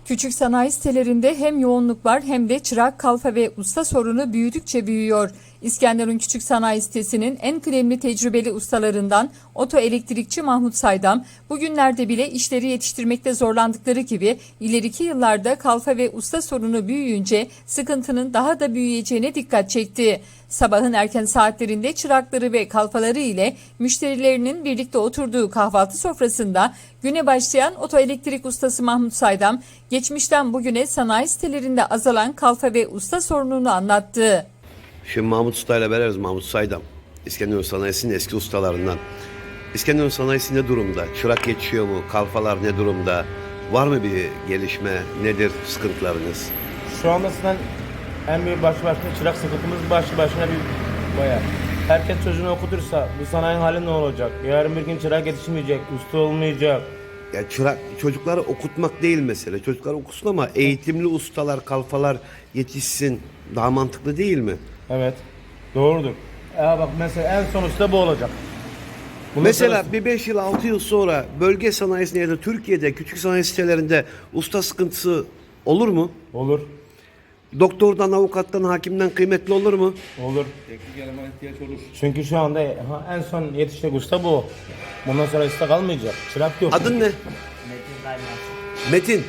Küçük sanayi sitelerinde hem yoğunluk var hem de çırak, kalfa ve usta sorunu büyüdükçe büyüyor. İskenderun Küçük Sanayi Sitesi'nin en kıdemli tecrübeli ustalarından otoelektrikçi Mahmut Saydam, bugünlerde bile işleri yetiştirmekte zorlandıkları gibi ileriki yıllarda kalfa ve usta sorunu büyüyünce sıkıntının daha da büyüyeceğine dikkat çekti. Sabahın erken saatlerinde çırakları ve kalfaları ile müşterilerinin birlikte oturduğu kahvaltı sofrasında güne başlayan otoelektrik ustası Mahmut Saydam, geçmişten bugüne sanayi sitelerinde azalan kalfa ve usta sorununu anlattı. Şimdi Mahmut Usta ile beraberiz. Mahmut Saydam, İskenderun Sanayisi'nin eski ustalarından. İskenderun Sanayisi ne durumda? Çırak yetişiyor mu? Kalfalar ne durumda? Var mı bir gelişme? Nedir sıkıntılarınız? Şu anda sizden en büyük başlı başına çırak sıkıntımız başlı başına bir bayağı. Herkes çocuğunu okutursa bu sanayinin hali ne olacak? Yarın bir gün çırak yetişmeyecek, usta olmayacak. Ya çırak, çocukları okutmak değil mesele. Çocuklar okusun ama eğitimli ustalar, kalfalar yetişsin. Daha mantıklı değil mi? Evet, doğrudur. Bak mesela en son usta bu olacak. Bundan Mesela sonrası- bir 5 yıl 6 yıl sonra bölge sanayisinde ya da Türkiye'de küçük sanayi sitelerinde usta sıkıntısı olur mu? Olur, Doktordan, avukattan, hakimden kıymetli olur mu? olur. Teknik eleman ihtiyaç olur. Çünkü şu anda en son yetişecek usta bu. Bundan sonra usta kalmayacak. Çırak yok. Adın ne? Metin Kaymaz. Metin.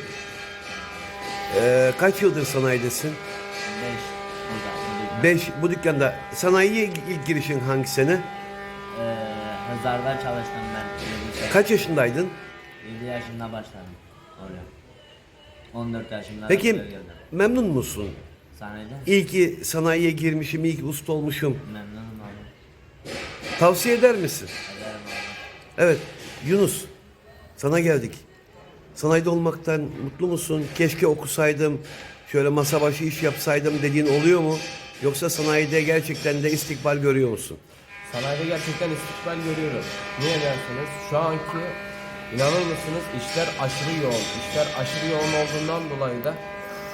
Kaç yıldır sanayidesin? 5 5. Bu dükkanda. Sanayiye ilk girişin hangi sene? Hızarda çalıştım ben. Kaç yaşındaydın? 7 yaşında başladım oraya. 14 yaşında Peki buraya geldim. memnun musun? Sanayide İyi ki sanayiye girmişim, iyi ki usta olmuşum. memnunum abi. Tavsiye eder misin? Ederim abi. Evet. Yunus. Sana geldik. Sanayide olmaktan mutlu musun? Keşke okusaydım, şöyle masa başı iş yapsaydım dediğin oluyor mu? Yoksa sanayide gerçekten de istikbal görüyor musun? Sanayide gerçekten istikbal görüyoruz. Niye derseniz şu anki inanır mısınız işler aşırı yoğun. İşler aşırı yoğun olduğundan dolayı da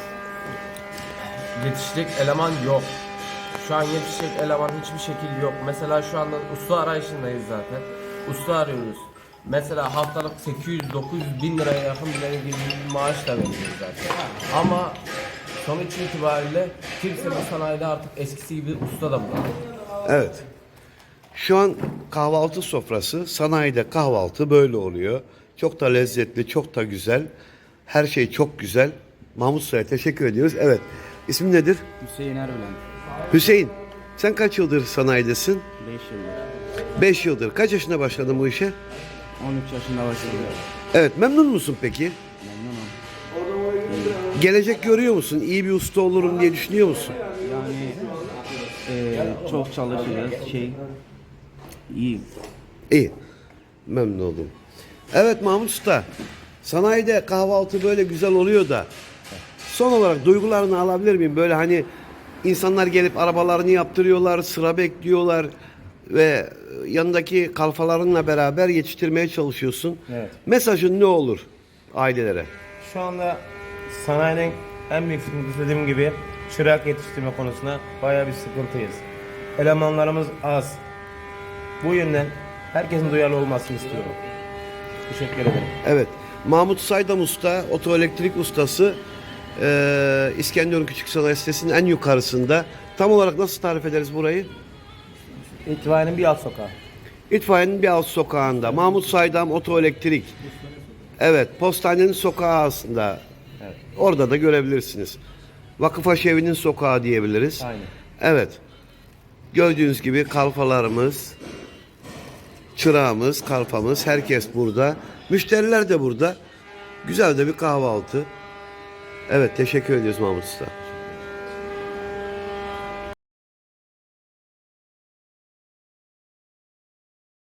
yetişecek eleman yok. Şu an yetişecek eleman hiçbir şekilde yok. Mesela şu anda usta arayışındayız zaten. Usta arıyoruz. Mesela haftalık 800-900 bin liraya yakın bile bir maaş da veriyoruz zaten. Ama sonuç itibariyle kimse bu sanayide artık eskisi gibi usta da bulamıyor. Evet. Şu an kahvaltı sofrası, sanayide kahvaltı böyle oluyor. Çok da lezzetli, çok da güzel. Her şey çok güzel. Mahmut Usta'ya teşekkür ediyoruz. Evet. İsmin nedir? Hüseyin Erbilen. Hüseyin. Sen kaç yıldır sanayidesin? 5 yıldır. 5 yıldır. Kaç yaşında başladın bu işe? 13 yaşında başladım. Evet. Memnun musun peki? Memnunum. Gelecek görüyor musun? İyi bir usta olurum diye düşünüyor musun? Yani çok çalışacağız. İyi. İyi. Memnun oldum. Evet Mahmut Usta. Sanayide kahvaltı böyle güzel oluyor da son olarak duygularını alabilir miyim? Böyle hani insanlar gelip arabalarını yaptırıyorlar, sıra bekliyorlar ve yanındaki kalfalarınla beraber yetiştirmeye çalışıyorsun. Evet. Mesajın ne olur ailelere? Şu anda sanayinin en büyük sıkıntısı dediğim gibi çırak yetiştirme konusunda bayağı bir sıkıntıyız. Elemanlarımız az. Bu yönden herkesin duyarlı olmasını istiyorum. Teşekkür ederim. Evet. Mahmut Saydam Usta, otoelektrik ustası, İskenderun Küçük Sanayi Sitesi'nin en yukarısında. Tam olarak nasıl tarif ederiz burayı? İtfaiyenin bir alt sokağı. İtfaiyenin bir alt sokağında. Mahmut Saydam Otoelektrik. Evet, postanenin sokağı aslında. Evet. Orada da görebilirsiniz. Vakıf Aşevi'nin sokağı diyebiliriz. Aynen. Evet. Gördüğünüz gibi kalfalarımız, çırağımız, kalfamız, herkes burada. Müşteriler de burada. Güzel de bir kahvaltı. Evet, teşekkür ediyoruz Mahmut Usta.